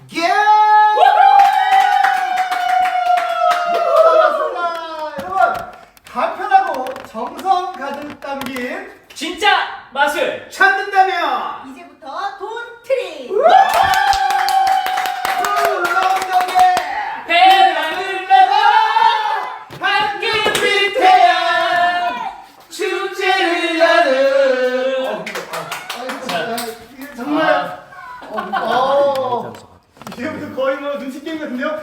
예! 반갑습니다. 여러분, 간편하고 정성 가득 담긴 진짜 맛을 찾는다면 이제부터 돈트리. 울렁덕에 배낭을 메고 함께 위태한 축제를 여는 이게 정말 이제부터 거의 뭐 눈치 게임 같은데요?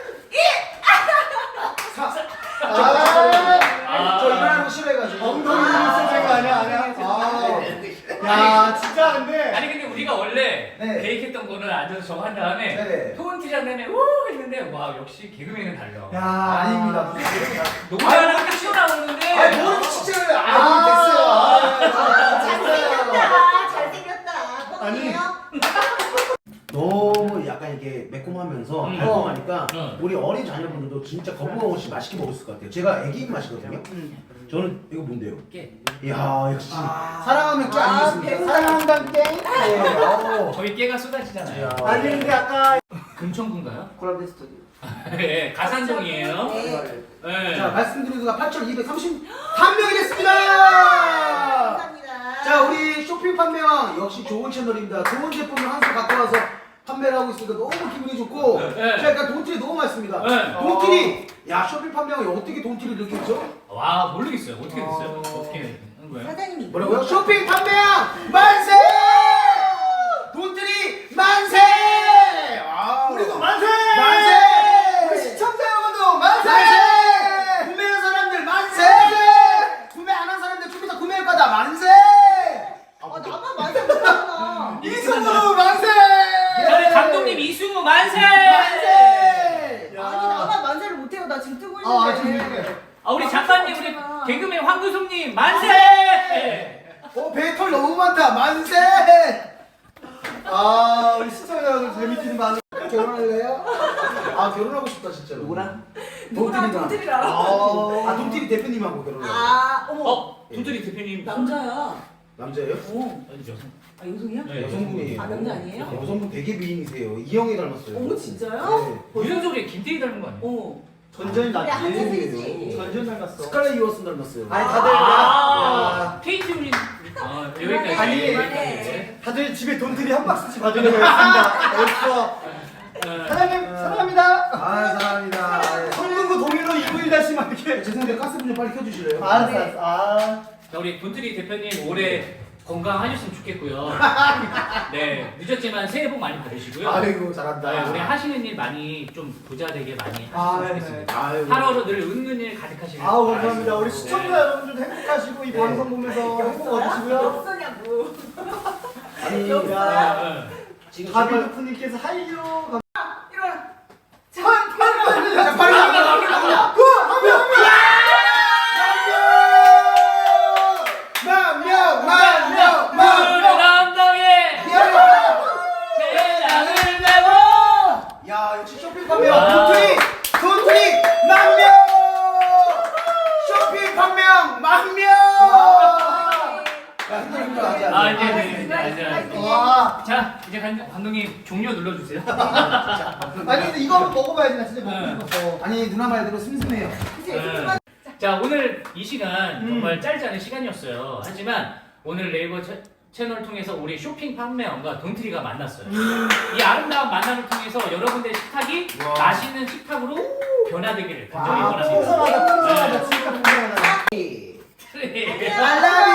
저 일어나는 거 싫어해가지고 엉덩이 눈치 제거 아니야? 야 진짜 근데 아니 근데 우리가 원래 네. 계획했던 거는 앉아서 저거 한 다음에 네네. 토론티장 내내 우 했는데 와 역시 개그맨은 달라. 야 아닙니다 무슨 소리야. 노래하는 게 튀어나오는데 아니 뭘 진짜 됐어요. 잘생겼다. 잘생겼다. 아니. 뻥이에요? 너무 약간 이게 매콤하면서 음. 달콤하니까 음. 우리 어린 자녀분들도 진짜 거부감 없이 맛있게 먹을 수 있을 것 같아요. 제가 애기 맛이거든요. 저는 이거 뭔데요? 깨. 이야 역시 사랑하면 깨 아니겠습니까? 배우다. 사랑한다는 깨. 네. 저희 깨가 쏟아지잖아요. 아니 근데 아까 금천구인가요? 콜라베 스튜디오. 네, 가산동이에요. 네. 네. 자 말씀드린 수가 8,231명이 됐습니다. 감사합니다. 자 우리 쇼핑 판매왕 역시 좋은 채널입니다. 좋은 제품을 한 수 갖고 와서 판매를 하고 있으니까 너무 기분이 좋고 네. 자 일단 돈티리 너무 맛있습니다. 네. 돈티리 야 쇼핑 판매왕이 어떻게 돈티리를 이렇게 했죠? 와 모르겠어요. 어떻게 됐어요? 어떻게 한 거예요? 사장님이 뭐라고요? 쇼핑 판매왕 만세! 돈들이 만세! 아, 우리도 만세! 만세! 우리 시청자 여러분도 만세! 만세! 구매한 사람들 만세! 구매 안 한 사람들 좀 이따 구매할 거다 만세! 나만 만세 못하잖아. 이승우 만세! 저는 감독님 이승우 만세! 만세! 아니 나만 만세를 못해요. 나 지금 뜨고 있는데. 아 우리 작가님 우리 개그맨 황구솜님 만세! 배털 너무 많다 만세! 우리 시청자 여러분 재밌는 반응. 결혼할래요? 아 결혼하고 싶다 진짜로. 누구랑? 누구랑 돈트리랑. 아 돈티리 대표님하고 결혼해요. 어머. 도토리 대표님 남자야. 남자예요? 어. 여성. 아 여성이야? 네, 여성분이에요. 아, 남자 아니에요? 여성분 되게 미인이세요. 이영애 닮았어요. 어머 진짜요? 네. 이런 소리에 김태희 닮은 거 아니에요? 어. 전전이 그래 낫지. 한예슬이지. 전전 닮았어. 스칼렛 요하슨 닮았어요. 아니 다들 케이트 우리 여기까지. 아니, 네. 다들 집에 돈들이 한 박스씩 가져가고 있습니다. 벌써 사장님 사랑합니다. 사랑합니다. 성군구 동일로 291-1 막 이렇게. 죄송한데 가스 좀 빨리 켜주실래요? 알았어. 자, 우리 돈트리 대표님 올해 건강하셨으면 좋겠고요. 네, 늦었지만 새해 복 많이 받으시고요. 아이고 잘한다. 네, 우리 하시는 일 많이 좀 부자 되게 많이 아, 하셨으면 네. 좋겠습니다. 아이고. 하루하루 늘 웃는 일 가득하시길 감사합니다. 우리 바라겠습니다. 시청자 여러분들도 행복하시고 이 방송 보면서 행복 얻으시고요. 역서냐고. 아니 야, 네. 지금 정말 가비도프님께서 하이요. 일어나. 자, 빨리 나가. 남동에 배낭을 메고 야 역시 쇼핑 판매왕 돈트리 만명 쇼핑 판매왕 만명 야 힘들어 하지 아, 않아. 이제 와. 자, 이제 감독님 종료 눌러주세요. 아니 근데 이거 한번 먹어봐야지 나 진짜 먹고 싶었어. 아니 누나 말대로 슴슴해요. 네. 자, 오늘 이 시간 정말 짧지 않은 시간이었어요. 하지만 오늘 네이버 채널을 통해서 우리 쇼핑 판매원과 돈트리가 만났어요. 이 아름다운 만남을 통해서 여러분들의 식탁이 맛있는 식탁으로 변화되기를 간절히 아, 원합니다. 풍성하다 풍성하다 진짜 풍성하다. 네. I love